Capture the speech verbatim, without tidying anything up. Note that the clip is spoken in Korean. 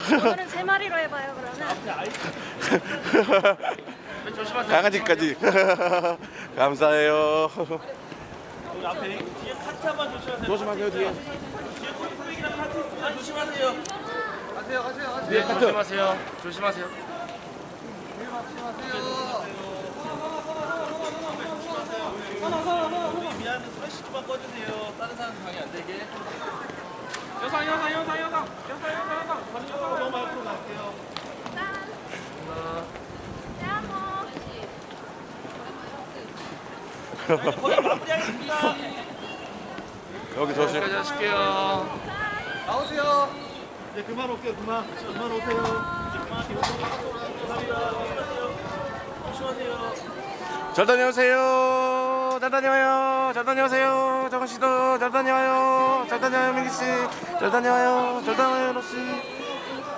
오늘은 세 마리로 해봐요 그러면. 조심하세요. 강아지까지. 감사해요. 여기 앞에 뒤에 카트 한번 조심하세요. 조심하세요, 뒤에. 뒤에 콜프백이랑 카트 있습니다. 조심하세요. 가세요, 가세요, 가세요. 네, 조심하세요. 조심하세요. 우리 미안해 프레시 좀만 꺼주세요. 다른 사람 방해 안 되게. 여상 여상 여상 여상 여상 여상 여상 너무 앞으로 갈게요. 거의 마무리하겠습니다. 여기 조심. 여기까지 하실게요. 나오세요. 이제 그만 올게요. 그만. 그만 오세요. 이제 그만. 감사합니다. 조심하세요. 잘 다녀오세요. 잘 다녀와요. 잘 다녀오세요. 정은 씨도 잘 다녀와요. 잘 다녀와요, 민기 씨. 잘 다녀와요. 잘 다녀와요, 로 씨.